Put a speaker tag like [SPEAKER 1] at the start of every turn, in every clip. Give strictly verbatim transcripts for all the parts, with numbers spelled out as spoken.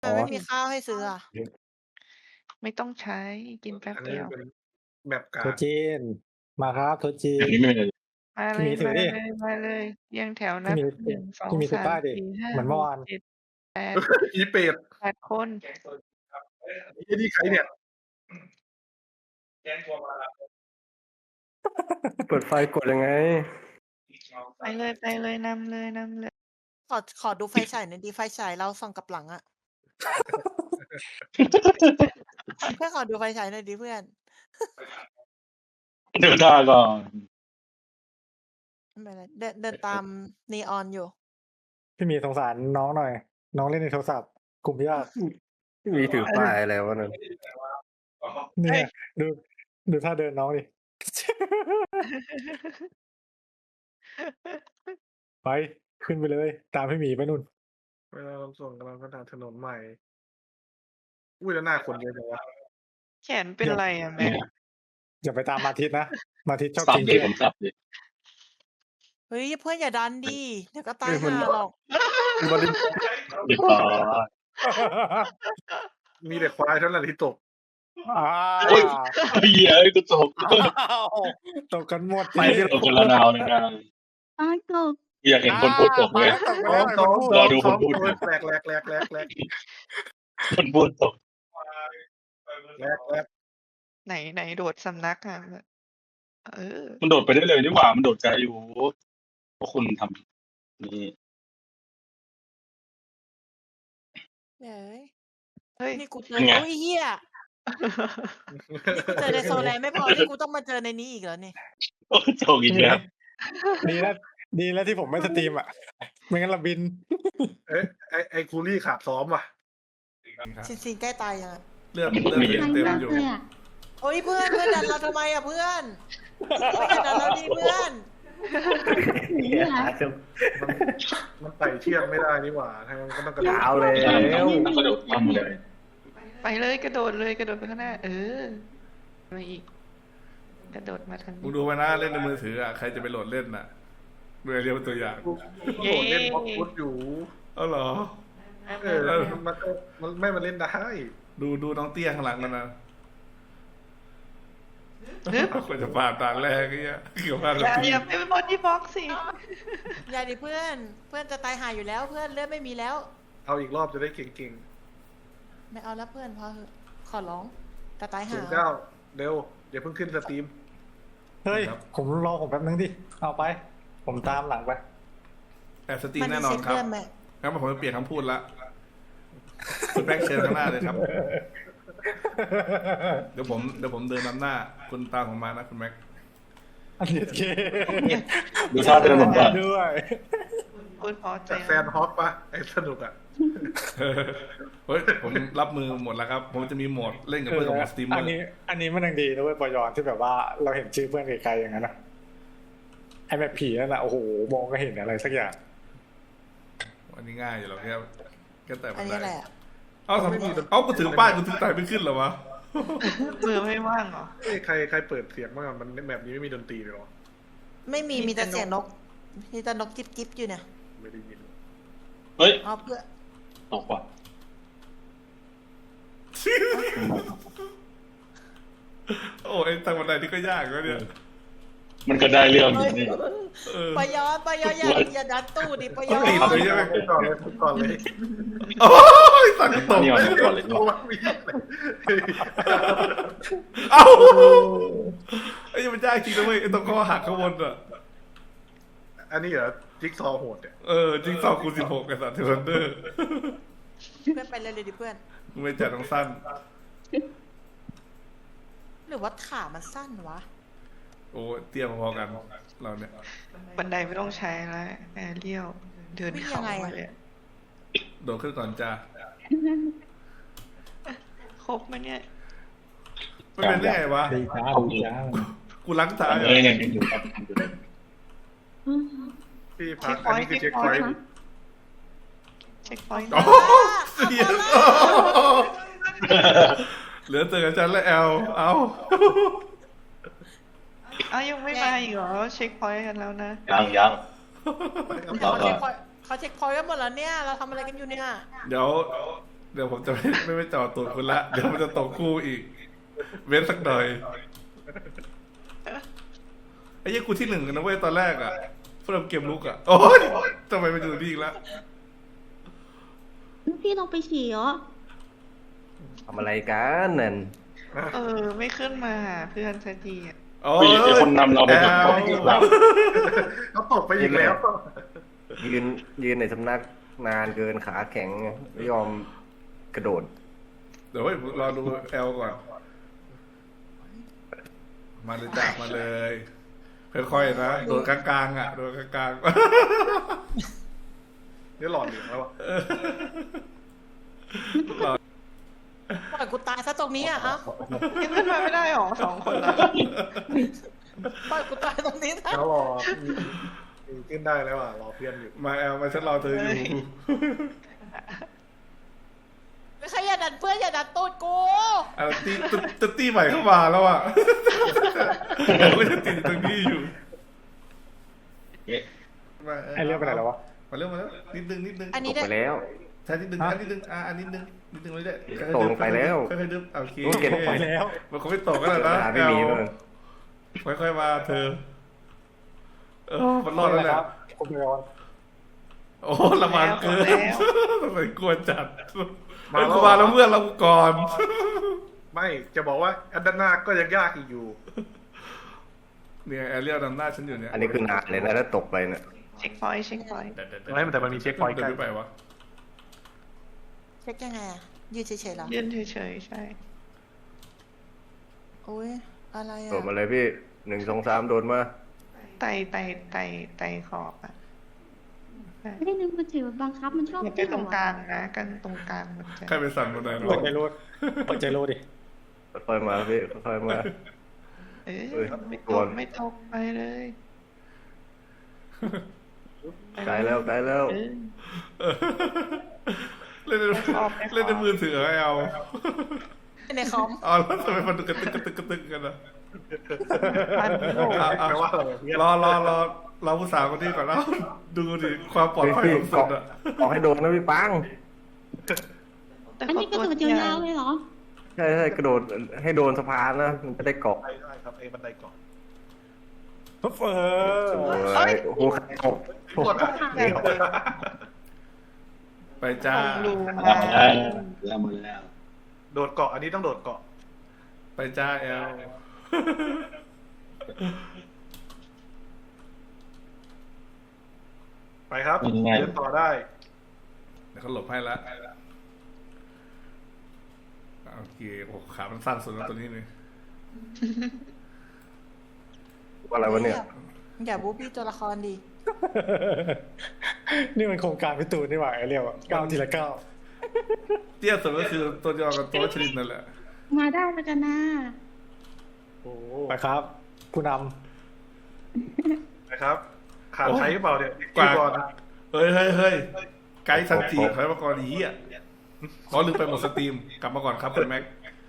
[SPEAKER 1] ทำไมไม่มีข้าวให้ซื้ออะ
[SPEAKER 2] ไม่ต้องใช้ กินแป๊บ
[SPEAKER 3] อัน
[SPEAKER 2] เด
[SPEAKER 3] นี
[SPEAKER 2] ี
[SPEAKER 3] ้
[SPEAKER 2] ยว
[SPEAKER 3] เป็นแบบก
[SPEAKER 4] โต๊
[SPEAKER 3] า
[SPEAKER 4] ะ
[SPEAKER 3] ก
[SPEAKER 4] จีน มาครับโต๊ะจี
[SPEAKER 5] อัน
[SPEAKER 4] น
[SPEAKER 5] นี้ไม่เลย
[SPEAKER 2] มา
[SPEAKER 4] พ
[SPEAKER 2] เ
[SPEAKER 4] ี่หมีถือดิ
[SPEAKER 2] ลย ๆ มาเลย เรียงแถว
[SPEAKER 4] พ
[SPEAKER 2] นี่ับ
[SPEAKER 4] หมี
[SPEAKER 2] หนึ่ง สอ
[SPEAKER 4] พี
[SPEAKER 2] ง
[SPEAKER 4] ่หมี
[SPEAKER 2] ส
[SPEAKER 4] ถือ
[SPEAKER 2] าม
[SPEAKER 4] ป้ายดิ
[SPEAKER 2] สี่ ห้า
[SPEAKER 4] เหมือนเ
[SPEAKER 2] หก
[SPEAKER 4] มื่อวาน
[SPEAKER 2] เจ็ด แปด
[SPEAKER 3] อีเป็ด
[SPEAKER 2] แปด คน
[SPEAKER 3] ไอ้นี่ใครเนี่ย?
[SPEAKER 6] เปิดไฟกดยังไง?
[SPEAKER 2] ไปเลย ๆ นำเลย ๆ เลย
[SPEAKER 1] ขอ ขอดูไฟฉายหน่อยดิ ไฟฉายเราส่องกลับหลังอะ เพื่อนขอดูไฟฉายหน่อยดิเพื่อน
[SPEAKER 5] ดูท่าก่อน
[SPEAKER 1] ไม่เป็นไร เดิน เดินตามนีออนอยู่
[SPEAKER 4] พี่หมีสงสารน้องหน่อย น้องเล่นในโทรศัพท์ กลุ่มญาติ
[SPEAKER 6] พี่หมีถือป้ายอะไรวะนั่น?
[SPEAKER 4] เนี่ย ดู ดูท่าเดินน้องดิ ไป ขึ้นไปเลย ตามพี่หมีไปนู่น
[SPEAKER 3] เวลาเราส่งกำลังพัฒนาถนนใหม่ อุ๊ย แล้วหน้าคนเยอะจังวะ
[SPEAKER 2] แขนเป็นไรอะแม็ก?
[SPEAKER 4] อย่าไปตามมาทิตย์นะ มาทิตย์ชอบ
[SPEAKER 5] สับ
[SPEAKER 4] กิน
[SPEAKER 5] ดิ
[SPEAKER 4] เพื่อ
[SPEAKER 5] ผ
[SPEAKER 4] น
[SPEAKER 5] มสับดิ
[SPEAKER 1] เฮ้ย เพื่อนอย่าดันดิ เดี๋ยวก็ตา
[SPEAKER 6] เฮ้
[SPEAKER 1] ย
[SPEAKER 6] ย มัน
[SPEAKER 1] ห่าหรอก
[SPEAKER 6] บอดี้
[SPEAKER 5] เรียบร้อย
[SPEAKER 3] มีแต่ควายเท่านั้นที่ตก
[SPEAKER 4] อา
[SPEAKER 5] โอ๊ย เหี้ย เอ้ย กูตก
[SPEAKER 4] อ้าว ตกกันหมด
[SPEAKER 6] ไปที่
[SPEAKER 5] ตกคนละนาวเลยนะ
[SPEAKER 7] ปลาตก
[SPEAKER 5] อยากเห็นคนพูดตกเลย
[SPEAKER 4] ตกไป
[SPEAKER 3] ซ้อ
[SPEAKER 4] แล้ว
[SPEAKER 3] ม
[SPEAKER 4] ไอ้
[SPEAKER 3] ซ้อ
[SPEAKER 4] คนพูด
[SPEAKER 3] ม
[SPEAKER 5] รอดูคนพูด
[SPEAKER 3] แหลกแหลกแหลกแหลกแหลก
[SPEAKER 5] คนพูดตก
[SPEAKER 3] แหลกแหลก
[SPEAKER 2] ไหน ไหนโดดสำนักอะ เออ
[SPEAKER 5] มันโดดไปได้เลยนี่หว่า มันโดดไกลอยู่ พวกคุณทำ นี่
[SPEAKER 1] เย้ย
[SPEAKER 2] เฮ้ย
[SPEAKER 1] นี่กูเจ
[SPEAKER 5] เป็
[SPEAKER 1] อ
[SPEAKER 5] นไง?
[SPEAKER 1] อุ๊ย เหี้ย นี่กูเจอในโซแลนด์ไม่พอ นี่กูต้องมาเจอในนี้อีกเหรอนี่?
[SPEAKER 5] โอ้ ตกอีกแล้ว
[SPEAKER 4] ดีแล้ว ดีแล้วที่ผมไม่สตรีมอะ ไม่งั้นเราบิน
[SPEAKER 3] เอ๊ะ ไอ้ ไอ้คูลี่ขาดซ้อมว่ะ
[SPEAKER 1] ซิน ซินใกล้ตายยังอะ
[SPEAKER 3] เลือด เลือด
[SPEAKER 5] มี
[SPEAKER 3] ยัง
[SPEAKER 7] มัน
[SPEAKER 3] เต็ม
[SPEAKER 7] มาก
[SPEAKER 3] อยู่
[SPEAKER 7] เลยอะ
[SPEAKER 1] โอ๊ย เพื่อน เพื่อนดันเราทำไมอะเพื่อน เพื่อนอย่าดันเราดิเพื่อน
[SPEAKER 7] หนีเหรอ?
[SPEAKER 3] มัน มันไต่เชือกไม่ได้นี่หว่า ถ้างั้นก็ต้องกระโดด
[SPEAKER 6] เอาแล้ว
[SPEAKER 5] ใช่ต้องกระโดดข้ามเลย
[SPEAKER 2] ไปเลย กระโดดเลย กระโดดไปข้างหน้า เออ มาอีก กระโดดมาทาง
[SPEAKER 8] มึ
[SPEAKER 2] นี้
[SPEAKER 8] งดูไว้นะ เล่นในมือถืออะใครจะไปโหลดเล่นน่ะดูไอเรียลเป็นตัวอย่าง
[SPEAKER 3] กูโดดเล่นบล็อกฟุตอยู่
[SPEAKER 8] อ้าวเหรอ?
[SPEAKER 3] เออ มันก็ มันไม่มาเล่นได้
[SPEAKER 8] ดู ดูน้องเตี้ยข้างหลังมันนะ
[SPEAKER 2] ฮึบ
[SPEAKER 8] กว่าจะผ่านด่านแรกไอ้เหี้ย เกือบผ่าน
[SPEAKER 2] อ
[SPEAKER 8] แล้ว
[SPEAKER 2] ย่า
[SPEAKER 8] พี่
[SPEAKER 2] อย่าไปบอดี้บล็อกสิ
[SPEAKER 1] อย่าดิเพื่อน เพื่อนจะตายห่าอยู่แล้ว เพื่อนเลือดไม่มีแล้ว
[SPEAKER 3] เอาอีกรอบจะได้เก่ง
[SPEAKER 1] ไม่เอาแล้วเพื่อนพอเถอะ ขอร้อง จะตาย
[SPEAKER 3] ๆ
[SPEAKER 1] ห่า
[SPEAKER 3] ศูนย์เก้า เร็ว เดี๋ยวเพิ่งขึ้นสตรีม
[SPEAKER 4] เฮ้ย
[SPEAKER 8] ครับ
[SPEAKER 4] ผมรอผมแป๊บนึงดิ เอาไป ผมตามหลังไป
[SPEAKER 8] แอบสตรีม
[SPEAKER 1] มัน
[SPEAKER 8] แน่
[SPEAKER 1] มี
[SPEAKER 8] นอ
[SPEAKER 1] เซ็
[SPEAKER 8] น
[SPEAKER 1] ต
[SPEAKER 8] ครับ
[SPEAKER 1] เพื่อนไหม
[SPEAKER 8] งั้นผมจะเปลี่ยนคำพูดละ คุณแบ็คเชิญข้างหน้าเลยครับ เดี๋ยวผม เดี๋ยวผมเดินนำหน้า คุณตามผมมานะคุณแม็ก
[SPEAKER 4] อันนี้เค
[SPEAKER 5] ดูท่าเดินผมก่อน
[SPEAKER 4] ด้วย
[SPEAKER 2] พูดพอใจ
[SPEAKER 3] จากแฟนฮอกปะไอ้สนุกอ่ะ
[SPEAKER 8] เฮ้ย ผมรับมือหมดแล้วครับ ผมจะมีโหมดเล่นกับเพื่อนกับสตรีมเม
[SPEAKER 4] อั
[SPEAKER 8] อน ร์
[SPEAKER 4] นี้ อันนี้มันยังดีนะเว้ยปอยอนที่แบบว่าเราเห็นชื่อเพื่อนไกลๆอย่างนั้นนะไอ้แบบผีนั่นแหละโอ้โหมองก็เห็นอะไรสักอย่าง
[SPEAKER 8] อันนี้ง่ายอยู่แล้วแค่แค่แต่
[SPEAKER 1] อันนี้อะไรอะ
[SPEAKER 8] เอ้าทำเอ้ากูถือป้ายกูถือไต่ไม่ขึ้นเหรอวะ
[SPEAKER 2] มือไม่ว่างเหรอ
[SPEAKER 3] เอ้ยใคร ใครเปิดเสียงบ้างอะมันแบบนี้ไม่มีดนตรีเลยเหรอ
[SPEAKER 1] ไม่มี มีแต่เสียงนก มีแต่นกจิ๊บจิ๊บอยู่เนี่ย
[SPEAKER 3] ไม่ได้ยิน
[SPEAKER 5] เฮ้ย
[SPEAKER 1] เอาเพื่อ
[SPEAKER 5] ตกว่ะ
[SPEAKER 8] โอ้ยทางบันไดนี่ก็ยากแล้วเนี่ย
[SPEAKER 5] มันก็ได้เรื่องอยู่นี่
[SPEAKER 8] เออ
[SPEAKER 1] ปยอนปยอนอย่าอย่าดันตู้ดิปยอ
[SPEAKER 8] ติด
[SPEAKER 1] น
[SPEAKER 8] เลยใช่ไหม
[SPEAKER 3] พูดก่อนเลยพูดก่อนเลย
[SPEAKER 8] โอ้ยสักกระตก
[SPEAKER 5] นี่
[SPEAKER 8] เล
[SPEAKER 5] เอา
[SPEAKER 8] ย
[SPEAKER 5] ก่อนเลยดีกว่า
[SPEAKER 8] เอ้าไอ้ยังมันยากจริงนะเว้ยไอ้ตรงข้อหักข้างบนอ่ะ
[SPEAKER 3] อันนี้เหรอจิ๊กซอว์โหดเนี่ย
[SPEAKER 8] เออจริงสองคูณสิบหกไอ้สัตว์เทเลนเดอร์
[SPEAKER 1] เพื่อนไปเลยเลยดิเพื่อน
[SPEAKER 8] มึงไม่จัดต้องสั้น
[SPEAKER 1] หรือว่าขามันสั้นวะ
[SPEAKER 8] โอ้เตี้ยพอๆกัน เราเนี่ย
[SPEAKER 2] บันไดไม่ต้องใช้แล้วแอร์เรียว เดินเข้ามาเลย
[SPEAKER 8] โดดขึ้นก่อนจ้า
[SPEAKER 2] ครบไหมเนี่ย
[SPEAKER 8] ไม่เป็นได้ไงวะ
[SPEAKER 4] ดีจ้าดีจ้า
[SPEAKER 8] กูล้างตา
[SPEAKER 5] เอ
[SPEAKER 8] อ่ะ
[SPEAKER 5] อยังยังอยู่ครับยังอยู่เลย
[SPEAKER 3] พี่พักอันนี้คือเช็คพอยต์
[SPEAKER 2] เช็คพอยต์
[SPEAKER 8] โอ้เสียเหลือเจอกับฉันและแอล เอา
[SPEAKER 2] อ้าวยังไม่มาอีกเหรอ เช็คพอยต์กันแล้วนะ
[SPEAKER 5] ยังยัง
[SPEAKER 1] เขาเช็คพอยต์เขาเช็คพอยต์กันหมดแล้วเนี่ย เราทำอะไรกันอยู่เนี่ย
[SPEAKER 8] เดี๋ยวเดี๋ยวผมจะไม่ไม่ไปจอดตูดคุณละเดี๋ยวมันจะตกคู่อีก เว้นสักหน่อยไอ้ยี่กูที่หนึ่งกันนะเว้ยตอนแรกอ่ะเพิ่มเกมลุกอ่ะโอ้ยทำไมมันอยู่นี่อีกแล้ว
[SPEAKER 7] พี่ลงไปฉี่เหรอ
[SPEAKER 6] ทำอะไรกันนั่น
[SPEAKER 2] เออ ไม่ขึ้นมาหาเพื่อนสักทีอ่ะ
[SPEAKER 8] โอ้
[SPEAKER 5] ผู้
[SPEAKER 8] ย
[SPEAKER 5] หญิงเป็นคนนำเราไป
[SPEAKER 8] แอ
[SPEAKER 5] ตก
[SPEAKER 8] ล
[SPEAKER 5] เรา
[SPEAKER 3] เขาตกไปอีกแล้ว
[SPEAKER 6] ยืนยืนในสำนักนานเกินขาแข็งไม่ยอมกระโดด
[SPEAKER 8] เดี๋ยวเฮ้ยรอดูแอลก่อน มาเลยจ้ามาเลย ค่อยๆนะโดนกลางๆอ่ะโดนกลาง
[SPEAKER 3] นี่หลอดเหลืองแล้วอะ
[SPEAKER 8] ๆรอ
[SPEAKER 1] ปล่อยกูตายซะตรงนี้อ่ะเอ้า
[SPEAKER 2] ยังขึ้นมาไม่ได้หรอสองคนละ
[SPEAKER 1] ปล่อยกูตายตรงนี้นะ
[SPEAKER 3] แล้วรอมีขึ้นได้แล้วอ่ะรอเพื่อนอยู่
[SPEAKER 8] มาแอลมาฉันรอเธออยู่
[SPEAKER 1] ไม่ใช่อย่าดันเพื่อนอย่าดันตูดกู
[SPEAKER 8] อ่ะตีตตตีใหม่เข้ามาแล้วอ่ะก็จะติดตรงนี้อยู่
[SPEAKER 5] เอ๊ะ
[SPEAKER 8] มา
[SPEAKER 4] ไอ้เรื่องไปไหนแล้ววะ
[SPEAKER 8] มาเร็วมาแล้วนิดนึงนิดนึง
[SPEAKER 1] อัน
[SPEAKER 6] ต
[SPEAKER 1] นี้
[SPEAKER 6] ก
[SPEAKER 1] ได้
[SPEAKER 6] ไปแล้ว
[SPEAKER 8] ใช่นิดนึงอันนิดนึงอ่ะอันนิดนึงนิดนึงไม่ได้
[SPEAKER 6] ตกลงไปแล้ว
[SPEAKER 8] ค่อยๆดึบโอเค
[SPEAKER 6] โอเคตกไปแล้ว
[SPEAKER 8] มันคงไม่ตกกันแล้วนะ
[SPEAKER 6] หาไม่มีเลย
[SPEAKER 8] ค่อยๆมาเธอเออมันรอดแล้วแหละ
[SPEAKER 4] คุณพยอน
[SPEAKER 8] โอ้ละมันเกินทำไมกลัวจัด
[SPEAKER 3] มา
[SPEAKER 8] มา
[SPEAKER 3] แล้ว
[SPEAKER 8] มาแล้วเมื่อนเราก่อน
[SPEAKER 3] ไม่จะบอกว่าอันด้านหน้าก็ยังยากอีกอยู่
[SPEAKER 8] เนี่ยแอเรียลนำหน้าฉันอยู่เนี่ย
[SPEAKER 6] อันนี้คือนานเลยนะถ้าตกไปเนี่ย
[SPEAKER 2] เช็คพอยต์เช็คพอยต์
[SPEAKER 3] ไม่แต่มันมีเช็คพอยต์ใกล้
[SPEAKER 8] เดินไปวะ
[SPEAKER 1] เช็คยังไงอ่ะยืนเฉยๆเหรอ
[SPEAKER 2] ยืนเฉยๆใช่
[SPEAKER 1] โอ้ยอะไรอ่ะ
[SPEAKER 6] โดดมาเลยพี่หนึ่งสองสามโดดมา
[SPEAKER 2] ไต่ไต่ไต่ไต่ขอบอ่ะ
[SPEAKER 7] ไม่ได้นึกมันถือบังคับมันชอบ
[SPEAKER 2] อย่าไปตรงกลางนะกันตรงกลางมันจะ
[SPEAKER 8] ใครไปสั่นบันไดเนาะ
[SPEAKER 4] เปิดใจรู้เปิดใจรู้ดิ
[SPEAKER 6] ค่อยๆมาพี่ค่อยๆมา
[SPEAKER 2] เอ
[SPEAKER 6] เอ้ย
[SPEAKER 2] อไม่
[SPEAKER 6] ก
[SPEAKER 2] ต
[SPEAKER 6] ว
[SPEAKER 2] ก
[SPEAKER 6] น
[SPEAKER 2] ไม่ตกไปเลย
[SPEAKER 6] ไกลแล้วไกลแล้ว
[SPEAKER 2] เออ
[SPEAKER 8] เล่นใน
[SPEAKER 2] ไม่ชอบไม่ชอบ
[SPEAKER 8] เล่นในมือถือไม่เอา
[SPEAKER 1] ในคอม
[SPEAKER 8] อ๋อแล้วทำไมมันกระตึกกระตึกกระตึกกันอ่ะ
[SPEAKER 2] พันโลก
[SPEAKER 8] อ่ะอ่ะ
[SPEAKER 3] แปลว่าอะไรเพื่อน
[SPEAKER 8] รอรอรอเราผู้สาวคนนี้ก่อนแล้วดูดิความปลอดภัยของสุดอ่ะ
[SPEAKER 6] ขอให้โดดนะพี่ปัง
[SPEAKER 2] แต่
[SPEAKER 7] อันนี้กระโดดยาวๆเลยเหรอ
[SPEAKER 6] ใช่ใช่กระโดดให้โดนสะพานนะมันจะได้เกาะ
[SPEAKER 3] ได้ได้ครับไอ้บันไดเก่อน
[SPEAKER 4] เออ
[SPEAKER 6] สวยโอ้โหขัดตก
[SPEAKER 3] กดอ่ะ
[SPEAKER 8] ไปจ้า
[SPEAKER 2] รู
[SPEAKER 5] มา
[SPEAKER 2] มา
[SPEAKER 5] แล้วมาแล้ว
[SPEAKER 3] โดดเกาะอันนี้ต้องโดดเกาะ
[SPEAKER 8] ไปจ้าแอล
[SPEAKER 3] ไปครับเดินต่อได้
[SPEAKER 8] เดี๋ยวเขาหลบให้ละโอเคโอ้ขามันสั้นสุดแล้วตัวนี้นี่
[SPEAKER 6] อะไรวะเนี่ย
[SPEAKER 1] อย่าบูบี้ตัวละครดี
[SPEAKER 4] นี่มันโครงการพิตูนนี่หว่าไอ้เรียวอะก้าวทีละก้าว
[SPEAKER 8] เตี้ยสุดก็คือตัวเดียวกับตัวชลินนั่นแหละ
[SPEAKER 7] มาได้แล้วกันนะ
[SPEAKER 4] ไปครับ ผู้น
[SPEAKER 3] นะครับ ขาดใช้หรือเปล่าเนี่ย
[SPEAKER 8] กว่า
[SPEAKER 3] ก่อน
[SPEAKER 8] เฮ้ยเฮ้ยเฮ้ยไกด์ซันจีใครมาก่อนอีอ่ะขอลืมไปหมดสตรีมกลับมาก่อนครับคุณแม็ก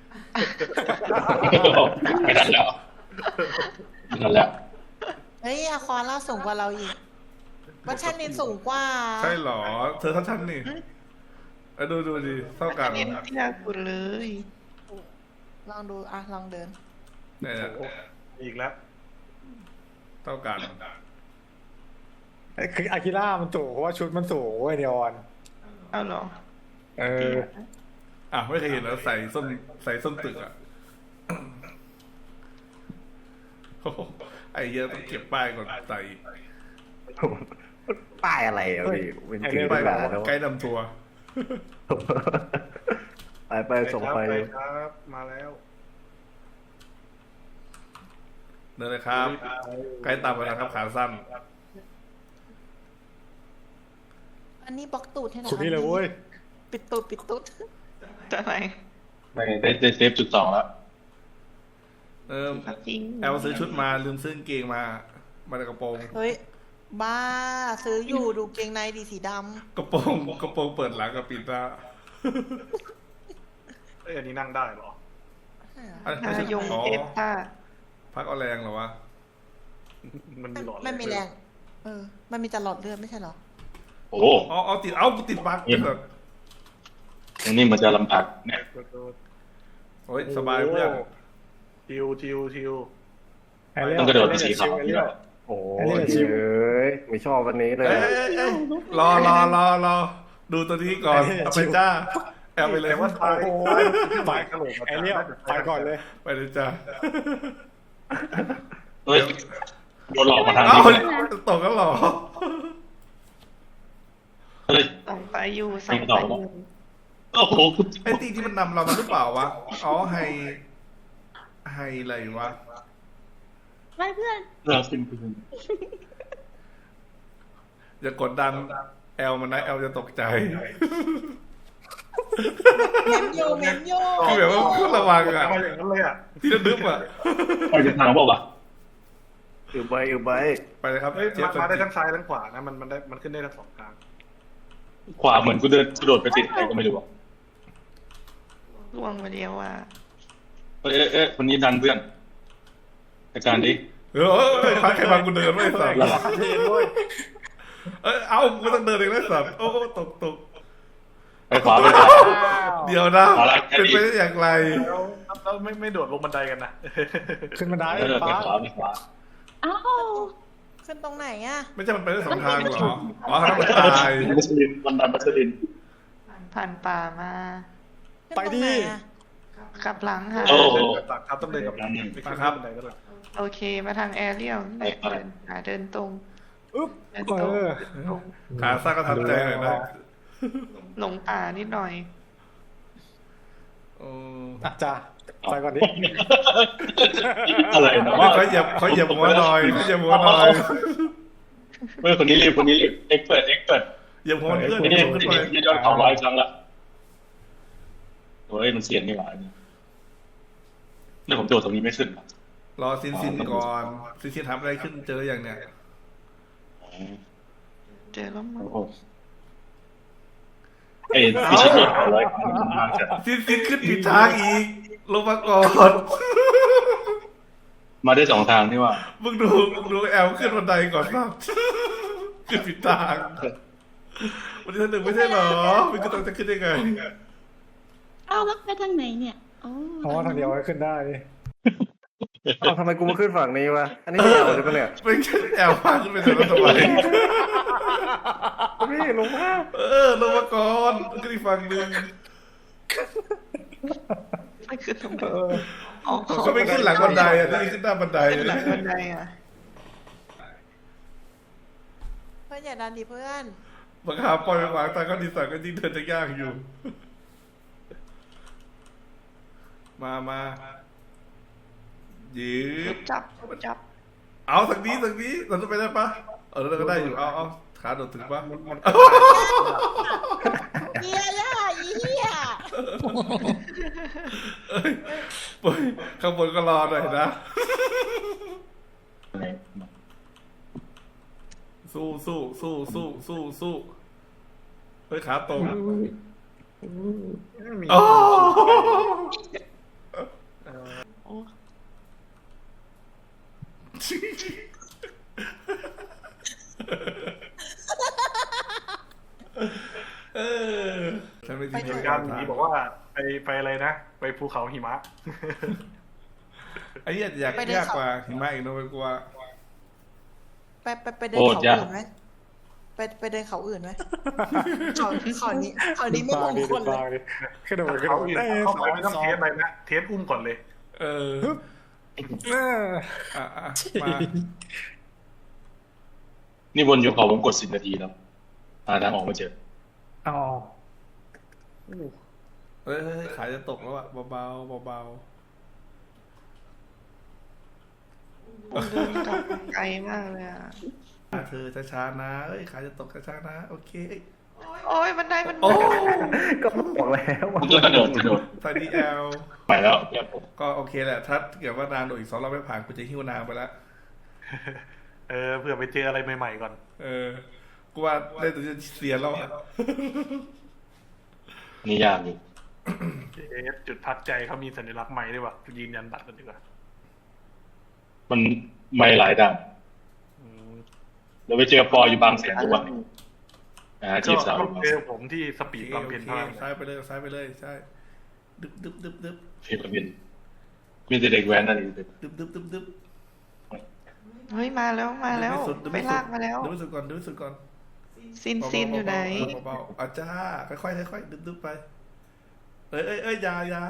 [SPEAKER 5] ไม่ทันแล้วไม่ทันแล้ว
[SPEAKER 1] เฮ้ยอาคอนล่าสูงกว่าเราอีกวัชชันนินสูงกว่า
[SPEAKER 8] ใช่เหรอ เธอเท่าฉันนี่เออดูดูดิเท่ากัน
[SPEAKER 2] เน้นที่ยากสุดเลย
[SPEAKER 1] ลองดูอ่ะลองเดิน
[SPEAKER 8] เนี่ย
[SPEAKER 3] อีกแล้ว
[SPEAKER 8] เท่ากัน
[SPEAKER 4] ำคืออากิล่ามันสูงเพราะว่าชุดมันสูงเว้ยเนียออน
[SPEAKER 2] เอาเหรอ
[SPEAKER 4] เออ
[SPEAKER 8] อ่ะไม่เคยเห็นแล้วใส่ส้นใส่ส้นตึกอ่ะโอ้โหไอ้เหี้ยอะต้องเก็บป้ายก่อนใส่
[SPEAKER 6] ป้ายอะไรอ่ะพี่เป็นจริง
[SPEAKER 8] ป้าย
[SPEAKER 6] เป็นแบบแล้ว
[SPEAKER 8] ไกด์นำทัวร์
[SPEAKER 6] ไปไปส่งไป
[SPEAKER 3] ไปครับ มาแล้ว
[SPEAKER 8] เดินเลยครับ ไกด์ตามมานะครับขาสั้น
[SPEAKER 1] อันนี้บล็อกตูดให้หน่อย
[SPEAKER 4] สุดนี่เลยเว้ย
[SPEAKER 1] ปิดตูดปิดตูด
[SPEAKER 2] จะไหน
[SPEAKER 5] ไม่ได้ได้เซฟจุดสองแล้ว
[SPEAKER 8] เออ
[SPEAKER 2] จริง
[SPEAKER 8] แอลซื้อชุดมาลืมซื้อกางเกงมามาในกระโปรง
[SPEAKER 1] เฮ้ยบ้าซื้ออยู่ดูเกงในดีสีด
[SPEAKER 8] กระโปรงกระโปรงเปิดหลังกับปิดหน้า
[SPEAKER 3] เอ้ยอันนี้นั่งได้เหรอ
[SPEAKER 1] ำ
[SPEAKER 8] อะไร
[SPEAKER 2] นายง
[SPEAKER 8] อ๋อ
[SPEAKER 2] เทพค่ะ
[SPEAKER 8] พักเอาแรงเหรอวะ
[SPEAKER 3] มันมีหลอด
[SPEAKER 1] มันมีแรง เออ มันมีแต่หลอดเลือดไม่ใช่เหรอ
[SPEAKER 5] โอ้
[SPEAKER 8] อ๋อเอาติดเอากูติดบั๊ก
[SPEAKER 5] เอ็ม
[SPEAKER 8] แบบ
[SPEAKER 5] อย่างนี้มันจะลำบากเนี่ย
[SPEAKER 8] โอ้ยสบายเพื่อน
[SPEAKER 3] ทิวทิวทิว
[SPEAKER 5] ต้องกระโดดไปสีขาว
[SPEAKER 6] โอ้ยเอ้ยไม่ชอบวันนี้เลย
[SPEAKER 8] เอ้ยเอ้ยเอ้ยรอรอรอรอดูตัวนี้ก่อนเอาไปจ้าแอบไปเลย
[SPEAKER 3] แต่ว่า
[SPEAKER 8] ว่า
[SPEAKER 3] ตาย
[SPEAKER 4] โอ้ย
[SPEAKER 3] ตายกระโหลก
[SPEAKER 4] ไอเลี้ยวไปก่อนเลย
[SPEAKER 8] ไปเลยจ้า
[SPEAKER 5] เฮ้ยโดนหลอกมาทาง
[SPEAKER 8] เอ้า
[SPEAKER 5] นี้
[SPEAKER 8] ตกกันเหรอ
[SPEAKER 5] เฮ้ย
[SPEAKER 2] ส่องไปอยู่ส่องไปอยู่
[SPEAKER 5] โอ้โห
[SPEAKER 8] ไอ้ตีที่มันนำเรามาหรือเปล่าวะอ๋อไฮไฮอะไรวะ
[SPEAKER 7] ไปเพื่อน
[SPEAKER 5] เราเป็นเพื่อน
[SPEAKER 8] อย่ากดดันแอลมันนะแอลจะตกใจ
[SPEAKER 1] เมมโยเมมโย
[SPEAKER 8] คือแบบว่าต้องระวังอะ
[SPEAKER 3] มาอย่างนั้นเลยอ่ะ
[SPEAKER 8] ที่ระดึบอะ
[SPEAKER 5] ไปจะทางเปล่าวะ
[SPEAKER 6] อือใบอือใบ
[SPEAKER 8] ไปเลยครับ
[SPEAKER 3] เฮ้ย
[SPEAKER 8] เจี๊ยบ
[SPEAKER 3] มาได้ทั้งซ้ายทั้งขวานะมันมันได้มันขึ้นได้ทั้งสองทาง
[SPEAKER 5] ขวาเหมือนกูเดินกระโดดไปติดใครก็ไม่รู้อะ
[SPEAKER 2] ล่วงมาเดียวว่า
[SPEAKER 5] เอ้ยเอ้ยเอ้ยคนนี้ดันเพื่อนอาจารย์ดิ
[SPEAKER 8] เออเอ้ยพักใครบางกูเดินไม่ได้สัตว์
[SPEAKER 4] เห็นด้วย
[SPEAKER 8] เอ้ยเอ้ากูต้องเดินเองได้สัตว์โอ้ตกตก
[SPEAKER 5] ไปขวาไปขวา
[SPEAKER 8] เดี๋ยวนะ
[SPEAKER 5] อะไร
[SPEAKER 8] เป็นไปได้อย่างไร
[SPEAKER 3] แล้วแล้วไม่ไม่โดดลงบันไดกันนะ
[SPEAKER 4] ขึ้นมาได้
[SPEAKER 5] เออไป
[SPEAKER 4] ฟ้า
[SPEAKER 5] ขวาไปขวา
[SPEAKER 7] เอ้า
[SPEAKER 1] ขึ้นตรงไหนอ่ะ
[SPEAKER 8] ไม่ใช่มันไปได้สองทางเหรออ๋อทางมันตาย
[SPEAKER 5] มัสลินมันดันมัสลิน
[SPEAKER 2] ผ่านป่ามา
[SPEAKER 1] ขึ้นตรงไหนอะ
[SPEAKER 2] กลับหลังค่ะ
[SPEAKER 5] โอ้โห
[SPEAKER 3] เดินกลับหลังครับต้องเดินกลับหลังไม่ขึ้นบันไดก็ได้
[SPEAKER 2] โอเคมาทางแอเรียลเดินหาเดินตรง
[SPEAKER 4] อึ๊บ
[SPEAKER 2] เดิน
[SPEAKER 4] เอ
[SPEAKER 2] ตรง
[SPEAKER 4] อ
[SPEAKER 2] เดินตรง
[SPEAKER 8] ขาสั้นก็ทำใจหน่อยนะ
[SPEAKER 2] หลงป่านิดหน่อย
[SPEAKER 8] โอ้
[SPEAKER 4] อ่ะจ้าไปก่อนดิ
[SPEAKER 5] อะไรนะ
[SPEAKER 8] เขาเหยียบเขาเหยียบหัวหน่อยเขาเหยียบหัวหน่อย
[SPEAKER 5] เฮ้ยคนนี้รีบคนนี้รีบเอ็กเปิดเอ็กเปิด
[SPEAKER 8] เหยียบหัวเพื่อน
[SPEAKER 5] ไม่
[SPEAKER 8] เห
[SPEAKER 5] ได้
[SPEAKER 8] ยียบขึ้นไป
[SPEAKER 5] ไม่ได้เขาร้อยครั้งละโอ้ยมันเสียนนี่หว่าเนี่ยแล้วผมโดดตรงนี้ไม่ขึ้นหรอ
[SPEAKER 8] รอซินซินก่อนซินซินทำอะไรขึ้นเจออย่างเนี้ย
[SPEAKER 2] เจอแล้วมั้ง
[SPEAKER 5] โอ้โหไอ้ที่ชิดเขาร้อยครั้งมันมากจัด
[SPEAKER 8] ซินซินขึ้นผิดทางอีกลงมาก่อน
[SPEAKER 5] มาได้สองทางนี่ว่า
[SPEAKER 8] มึงดูมึงดูแอลขึ้นบันไดก่อนครับ ขึ้นผิดทางวันนี้ท่านหนึ่งไม่ใช่เหรอมึงก็ต้องจะขึ้นได้ไง
[SPEAKER 7] เอ้าแล้วไปทางไหนเนี่ยอ๋อ
[SPEAKER 4] อ๋อทางเดียวขึ้นได้นี่
[SPEAKER 6] เอ้าทำไมกูมาขึ้นฝั่งนี้วะอันนี้ไม่เอาใช่ปะเนี่ย
[SPEAKER 8] ไม่ใช่แอลพาขึ้นไปเถอะทำไม
[SPEAKER 6] พี่ลงมา
[SPEAKER 8] เออลงมาก่อนขึ้นอีกฝั่งหนึ่ง
[SPEAKER 2] ไม่ขึ้นทำไม
[SPEAKER 4] เออ
[SPEAKER 2] อ๋อ
[SPEAKER 8] ก็ไม่ขึ้นหลังบันไดอ่ะนี่ขึ้นหน้าบันได
[SPEAKER 2] ขึ้นหลังบันไดอ่ะ
[SPEAKER 1] เพื่อนอย่าดันดิเพื่อน
[SPEAKER 8] บังคับปล่อยไปขวางตาก็ดีสักก็ยิ่งเดินจะยากอยู่ มามายืด
[SPEAKER 2] จับจับ
[SPEAKER 8] เอาทางนี้ทางนี้เราจะไปได้ปะเออเราก็ได้อยู่เอาเอาขาโดดถึงปะ
[SPEAKER 1] เฮียล่ะอีเฮีย
[SPEAKER 8] เอ้ยปล่อยข้างบนก็รอหน่อยนะ สู้สู้สู้สู้สู้สู้เฮ้ยขาตรง
[SPEAKER 3] ไม่มี
[SPEAKER 8] โอ้
[SPEAKER 2] โอ้
[SPEAKER 8] เออฉันไม่
[SPEAKER 3] ไป
[SPEAKER 8] ทิ้ง
[SPEAKER 3] ทำการหนีบอกว่าไปไปอะไรนะ ไปภูเขาหิมะ
[SPEAKER 8] ไอ้เหี้ยอยากยากกว่าหิมะอีกนะเว้ยกูว่า
[SPEAKER 1] ไปไปไปเดินเขาอื่นไหมไปไปเดินเขาอื่นไหมเขาเขานี้เขานี้ไม่มงคลเลย
[SPEAKER 4] บางดิขึ้นโดดขึ้น
[SPEAKER 3] เขา
[SPEAKER 4] โดด
[SPEAKER 3] อื่น
[SPEAKER 4] ได้
[SPEAKER 3] เขา
[SPEAKER 4] ส
[SPEAKER 3] ไป
[SPEAKER 4] อง
[SPEAKER 3] ไม่ต้อง
[SPEAKER 4] สอ
[SPEAKER 3] เท
[SPEAKER 4] ง
[SPEAKER 3] สอะไรนะเทสอุ้มก่อนเลย
[SPEAKER 8] เออ
[SPEAKER 4] เออ
[SPEAKER 8] อ่ะอ่ะมา
[SPEAKER 5] นี่วนอยู่เขาผมกดสิบนาทีแล้วหาทางออกมาเจอ
[SPEAKER 4] อ๋อ
[SPEAKER 8] เฮ้ยเฮ้ยขาจะตกแล้วอ่ะเบาๆเบา
[SPEAKER 2] เดินกลับไกลมากเลยอ่ะ
[SPEAKER 8] ๆอ่ะเธอช้าๆนะเอ้ยขาจะตกช้าๆนะโอเค
[SPEAKER 2] โอ้ยบันไดมัน
[SPEAKER 8] โอ้
[SPEAKER 6] ก็บอกแล้วว่า
[SPEAKER 5] ผมก็กระโดดกระโดด
[SPEAKER 8] ตอนนี้แอล
[SPEAKER 5] ไปแล้วเพื่อนผม
[SPEAKER 8] ก็โอเคแหละถ้าเกิดว่านางโดดอีกสองรอบไม่ผ่านกูจะหิ้วนางไปแล้ว
[SPEAKER 3] เออเผื่อไปเจออะไรใหม่ๆก่อน
[SPEAKER 8] เออ กูว่าได้แต่จะเสียแล้วอะ
[SPEAKER 5] นี่ยากอยู่
[SPEAKER 3] เอสจุดพักใจเขามีสัญลักษณ์ใหม่ด้วยว่ะยืนยันบัตรกันดีกว่า
[SPEAKER 5] มันไม่หลายด่าน
[SPEAKER 3] อืม
[SPEAKER 5] เดี๋ยวไปเจอปออยู่บางแสนทุกวันอ่าจีบสาว
[SPEAKER 3] ก็เจอผมที่สปีด
[SPEAKER 8] โอ
[SPEAKER 3] บำ
[SPEAKER 8] เค
[SPEAKER 3] เพ็ญ
[SPEAKER 8] โอ
[SPEAKER 3] เท่านั้น
[SPEAKER 8] เคซ้ายไปเลยซ้ายไปเลยใช่ดึบดึบดึบดึบ
[SPEAKER 5] เฟรมกับบินมีแต่เด็กแว้นนั่นเอง
[SPEAKER 8] ดึบดึบดึบดึบ
[SPEAKER 2] เฮ้ยมาแล้วมาแล้ว
[SPEAKER 8] ดึบสุดดึบ
[SPEAKER 2] ไป
[SPEAKER 8] สุด
[SPEAKER 2] ลากมาแล้ว
[SPEAKER 8] ดึบสุดก่อนดึบสุดก่อน
[SPEAKER 2] ซินซินอยู่ไหน
[SPEAKER 8] เบาๆเบาๆอาจ้าค่อยๆค่อยๆดึบดึบไปเอ้ยเอ้ยเอ้ยอยาอยา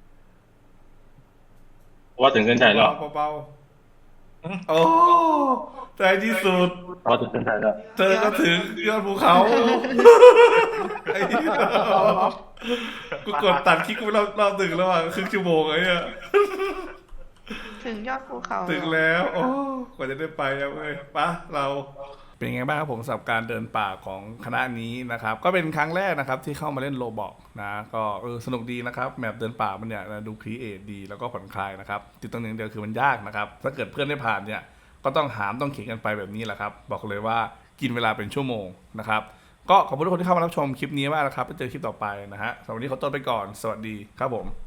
[SPEAKER 5] ว่าถึงเส้นชัยแล้ว
[SPEAKER 8] เบาๆเบาๆโอ้ใจที่สุด
[SPEAKER 5] ว่าถึงเส้นชัยแล้ว
[SPEAKER 8] เธอก็ถึงยอดภูเขาไอ้เหี้ยกูกดตัดคลิกกูรอบรอบหนึ่งแล้วอ่ะครึ่งชั่วโมงไอ้เนี่ย
[SPEAKER 2] ถึงยอดภูเขา
[SPEAKER 8] ถึงแล้ว โอ้กว่าจะได้ไปแล้วเว้ยปะเราเป็นไงบ้างครับผมสำหรับการเดินป่าของคณะนี้นะครับ ก็เป็นครั้งแรกนะครับที่เข้ามาเล่นโรบอกนะก็เออสนุกดีนะครับแมปเดินป่ามันเนี่ยดูครีเอทดีแล้วก็ผ่อนคลายนะครับจุดตรงหนึ่งเดียวคือมันยากนะครับถ้าเกิดเพื่อนได้ผ่านเนี่ยก็ต้องหามต้องเขียนกันไปแบบนี้แหละครับบอกเลยว่ากินเวลาเป็นชั่วโมงนะครับก็ขอบคุณทุกคนที่เข้ามารับชมคลิปนี้มากนะครับไปเจอคลิปต่อไปนะฮะสำหรับวันนี้ขอตัวไปก่อนสวัสดีครับผม